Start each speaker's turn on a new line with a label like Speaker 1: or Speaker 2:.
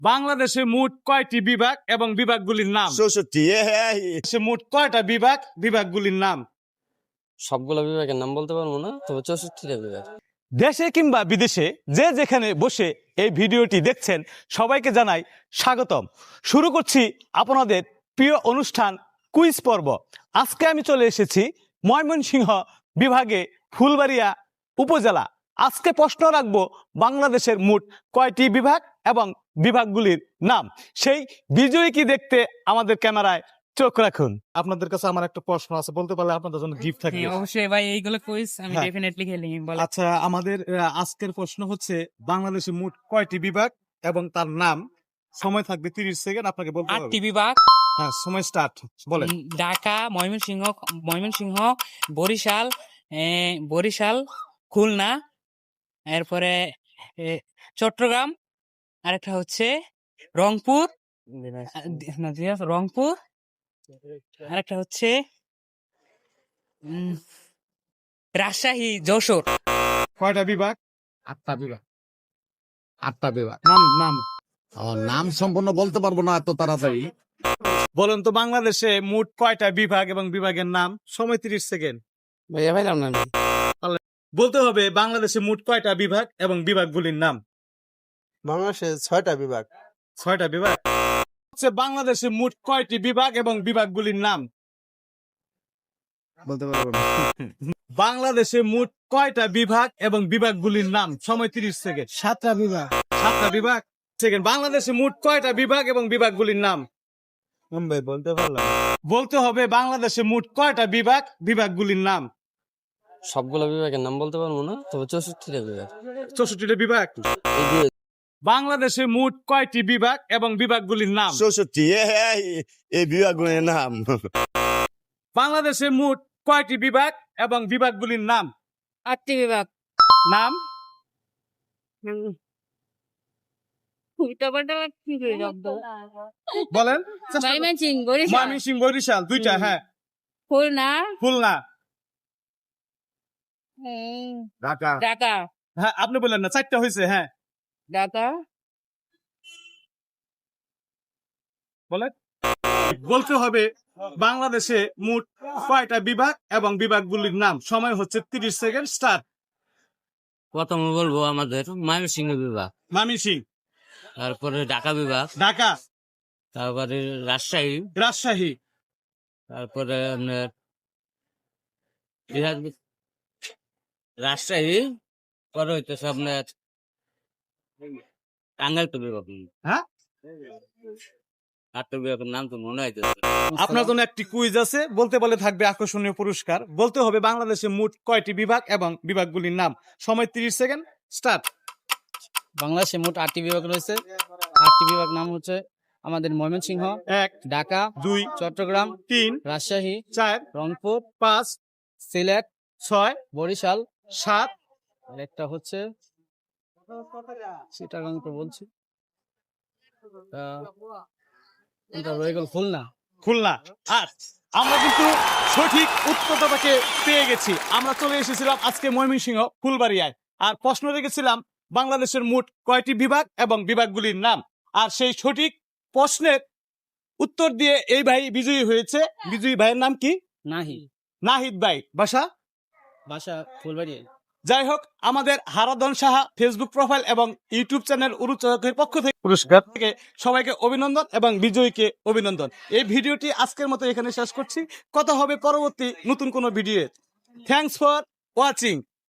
Speaker 1: বাংলাদেশে মোট কয়টি বিভাগ এবং বিভাগগুলির নাম?
Speaker 2: 64
Speaker 1: মোট কয়টা বিভাগ, বিভাগগুলির নাম?
Speaker 3: সবগুলো বিভাগের নাম বলতে পারবো না, তবে 64টা বিভাগ।
Speaker 1: দেশে কিংবা বিদেশে যে যেখানে বসে এই ভিডিওটি দেখছেন সবাইকে জানাই স্বাগতম। শুরু করছি আপনাদের প্রিয় অনুষ্ঠান কুইজ পর্ব। আজকে আমি চলে এসেছি ময়মনসিংহ বিভাগে ফুলবাড়িয়া উপজেলা। আজকে প্রশ্ন রাখবো বাংলাদেশের মোট কয়টি বিভাগ এবং বিভাগগুলির নাম। সেই বিজয়ী কি দেখতে আমাদের ক্যামেরায় চোখ রাখুন। আপনাদের কাছে আমার একটা প্রশ্ন আছে, বলতে পারলে আপনাদের জন্য গিফট থাকবে।
Speaker 4: অবশ্যই ভাই, এইগুলো কুইজ আমি
Speaker 1: হ্যাঁ।
Speaker 4: ডেফিনেটলি খেলি। বল।
Speaker 1: আচ্ছা, আমাদের আজকের প্রশ্ন হচ্ছে বাংলাদেশে মোট কয়টি বিভাগ এবং তার নাম। সময় থাকবে 30 সেকেন্ড, আপনাকে বলতে হবে।
Speaker 4: 8টি বিভাগ।
Speaker 1: হ্যাঁ, সময় স্টার্ট। বলেন।
Speaker 4: ঢাকা, ময়মনসিংহ, বরিশাল, খুলনা, এরপরে চট্টগ্রাম, আরেকটা হচ্ছে রংপুর, আরেকটা হচ্ছে রাজশাহী, যশোর।
Speaker 1: কয়টা বিভাগ?
Speaker 2: 8টা বিভাগ। 8টা বিভাগ।
Speaker 1: নাম নাম
Speaker 2: নাম সম্পূর্ণ বলতে পারবো না এত তাড়াতাড়ি।
Speaker 1: বলুন তো, বাংলাদেশে মোট কয়টা বিভাগ এবং বিভাগের নাম। সময় 30 সেকেন্ড।
Speaker 3: ভাইয়া ভাইলাম না আমি।
Speaker 1: বলতে হবে বাংলাদেশে মোট কয়টা বিভাগ এবং বিভাগগুলির নাম।
Speaker 5: বাংলাদেশে 6টা বিভাগ।
Speaker 1: 6টা বিভাগ। হচ্ছে বাংলাদেশে মোট কয়টি বিভাগ এবং বিভাগগুলির নাম।
Speaker 5: বলতে পারবো না।
Speaker 1: বাংলাদেশে মোট কয়টা বিভাগ এবং বিভাগগুলির নাম। সময় 30 সেকেন্ড।
Speaker 5: 7টা বিভাগ।
Speaker 1: 7টা বিভাগ। সেকেন্ড। বাংলাদেশে মোট কয়টা বিভাগ এবং বিভাগগুলির নাম।
Speaker 5: ভাই বলতে পারলাম।
Speaker 1: বলতে হবে বাংলাদেশে মোট কয়টা বিভাগ, বিভাগগুলির নাম।
Speaker 3: সবগুলো বিভাগের নাম বলতে পারবো না, তবে 64টা বিভাগ।
Speaker 1: 64টা বিভাগ।
Speaker 3: এই যে
Speaker 1: বাংলাদেশে মোট কয়টি বিভাগ এবং বিভাগগুলির নাম।
Speaker 2: 64 এই বিভাগগুলোর নাম।
Speaker 1: বাংলাদেশে মোট কয়টি বিভাগ এবং বিভাগগুলির নাম।
Speaker 4: 8টি বিভাগ।
Speaker 1: নাম। বলেন। ময়মনসিংহ, বরিশাল, দুইটা। হ্যাঁ। খুলনা।
Speaker 4: ঢাকা।
Speaker 1: হ্যাঁ, আপনি বললেন না, 4টা হয়েছে। হ্যাঁ, বলেন। বলতে হবে বাংলাদেশে মোট কয়টা বিভাগ এবং বিভাগগুলির নাম। সময় হচ্ছে 30 সেকেন্ড। স্টার্ট।
Speaker 3: প্রথমে বলবো আমাদের ময়মনসিংহ বিভাগ,
Speaker 1: ময়মনসিংহ,
Speaker 3: তারপরে ঢাকা বিভাগ,
Speaker 1: ঢাকা,
Speaker 3: তারপরে রাজশাহী,
Speaker 1: রাজশাহী,
Speaker 3: তারপরে আপনার রাজশাহী, পরে হইতেছে আপনার টাঙ্গাইল তো বিভাগ।
Speaker 1: হ্যাঁ।
Speaker 3: 8টা বিভাগের নাম তো মনে হইতেছে।
Speaker 1: আপনার জন্য একটি কুইজ আছে, বলতে বলে থাকবে আকর্ষণীয় পুরস্কার। বলতে হবে বাংলাদেশে মোট কয়টি বিভাগ এবং বিভাগগুলির নাম। সময় 30 সেকেন্ড। স্টার্ট।
Speaker 6: বাংলাদেশে মোট 8টি বিভাগ রয়েছে। 8টি বিভাগ নাম হচ্ছে আমাদের ময়মনসিংহ,
Speaker 1: 1,
Speaker 6: ঢাকা,
Speaker 1: 2,
Speaker 6: চট্টগ্রাম,
Speaker 1: 3,
Speaker 6: রাজশাহী,
Speaker 1: 4,
Speaker 6: রংপুর,
Speaker 1: 5,
Speaker 6: সিলেট,
Speaker 1: 6,
Speaker 6: বরিশাল,
Speaker 1: 7,
Speaker 6: আর একটা হচ্ছে চিটাগাং তো বলছি, এটা রয়ে গেল খুলনা।
Speaker 1: খুলনা। আর আমরা কিন্তু সঠিক উত্তরটাকে পেয়ে গেছি। আমরা চলে এসেছিলাম আজকে ময়মনসিংহ ফুলবাড়িয়ায়। আর প্রশ্ন রেখেছিলাম বাংলাদেশের মোট কয়টি বিভাগ এবং বিভাগগুলির নাম। আর সেই সঠিক প্রশ্নের উত্তর দিয়ে এই ভাই বিজয়ী হয়েছে। বিজয়ী ভাইয়ের নাম কি? নাহিদ ভাই।
Speaker 6: বাসা ফুলবাড়ি।
Speaker 1: যাই হোক, আমাদের হারাধন সাহা ফেসবুক প্রোফাইল এবং ইউটিউব চ্যানেল উরুচকের পক্ষ থেকে পুরস্কার থেকে সবাইকে অভিনন্দন এবং বিজয়ীকে অভিনন্দন। এই ভিডিওটি আজকের মতো এখানে শেষ করছি। কথা হবে পরবর্তী নতুন কোনো ভিডিও। Thanks for watching.